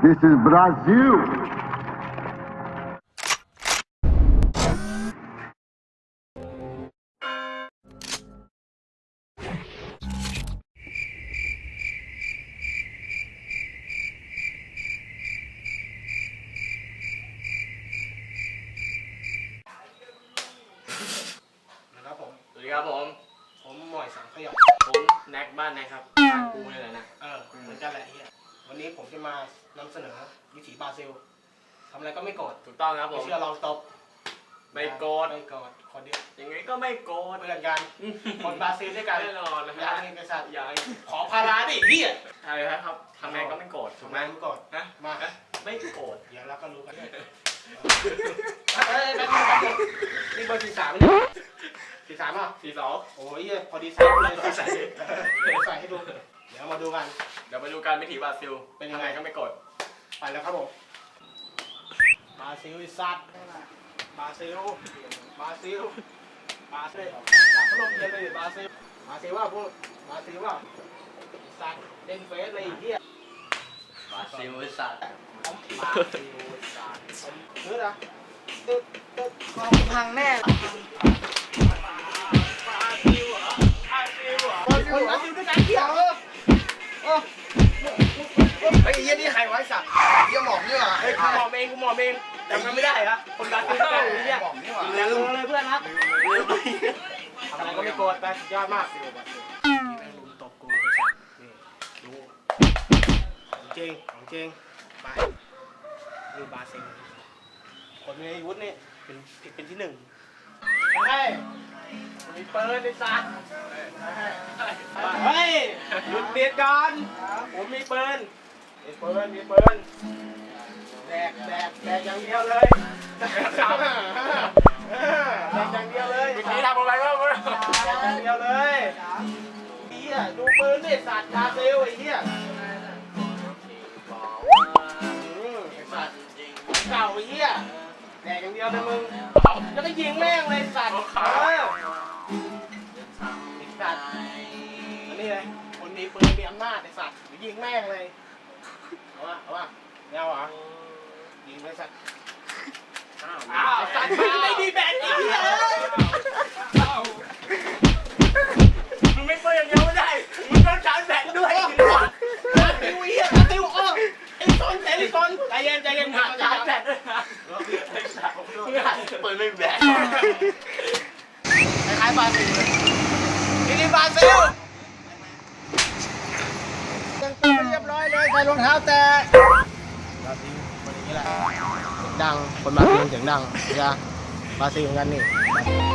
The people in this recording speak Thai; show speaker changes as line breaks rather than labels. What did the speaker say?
This is Brazil.
นะครับผม
สวัสดีครับผม
ผมหมอยสังขยา
ผมแน็กบ้านนะครับบ้านกูนี่แหละนะ
เหมือนกันแหละเฮียวันนี้ผมจะมานำเสนอวิถีบราซิลทำอะไรก็ไม่โกรธ
ถูกต้องครับผ
ไม่
ม
เชื่อลองตบ
ไม่โกรธ
ไม่โกรธคนเดียว
ยังไงก็ไม่โกรธ
เพื่อนกันคนบราซิลด้วยกัน
แน่นอนนะ
อย่า
ฮะ
ให้กษัตริย์
อย่าให้
ขอพาราดิเฮีย
ใช่ครับทำไงก็ไม่โกรธถู
ถู
ก
ก
ไห
ไห
ม
มไม่โกรธ
ฮะ
มา
ไม่โกรธ
เดี๋ยวเราก็รู้กันเฮ้ยแป๊บนึงนี่เบอร์43นี่43อ่ะ
42
โอ้ยเหี้ยพอดีใส่เลยใส่ใส่ให้ดูเดี๋ยวมาดูกัน
เดี๋ยวไปดูการวิถีบราซิล
เป็นยังไง
ทำก็ไม่โกรธ
ไปแล้วครับผมบราซิลอีสัตว์บราซิลบราซิลบราซิลจับพัดลมเย็นเลยบราซิลบราซิลว่าพวกบราซิลว่าอีสัตว์เล่นเฟซเลยไอ้เหี้ย
บราซิลไอ้สัตว์
บราซิลอีสัตว์เฮ้ยนะตึ๊ดตึ๊ด
พังแน่
บราซิลเหรอบราซิลเหรอบราซิลด้วยกันเหี้ย
ไอ้เหี้ยนี่ใครไว้สัตว์เหี้ยหมอมนี่หว่า
เฮ้ยกูมองเองจำกันไม่ได้เหรอคนบราซิลด้วยกันเนี่ย
หมอมนี่หว่า
ลืมเลยเพื่อนครับทำอะไรก็ไม่โกรธไปสุดยอดมากนี่แม่งลุมตบกูไปสัตว์นี่ดูของจริงของจริงไปนี่บราซิลคนมีอาวุธนี่เป็นที่หนึ่งเฮ้ยมีปืนในสัตว์เฮ้ยหยุดเบียดกันผมมีปืนมีปืนแดกอย่างเดียวเลยแดกอย่างเดียวเลย
วิธีทำอะไรก็ไม่รู้
แดกอย่างเดียวเลยเฮียดูปืนนี่สัตว์บราซิลไอ้เฮียสัตว์เก่าไอ้เฮียแดกอย่างเดียวเลยมึงแล้วก็ยิงแม่งเลยสัตว์สัตว์อันนี้เลยคนมีปืนมีอำนาจไอ้สัตว์ยิงแม่งเลยเอาวะไม่เอาเหรอยิงเลยสัตว์อ้าวสัตว์ไม่มีแบนอีกเหี้ย
มึงไม่เปิดอย่างเดียวไม่ได้มึงต้องชาร์จแบตด้วย
ติวเหี้ยติวไอ้ต้นใจเย็นหา
ชาร์จแบตด้วยนะมึงหันเปิดไม่แบต
คล้ายบราซิลเลยนี่บราซิลแต่งตัวเรียบร้อยเลยใส่รองเท้าแต่บราซิลคนอย่างนี้แหละดังคนบราซิลเสียงดังใช่ไหมบราซิลเหมือนกันนี่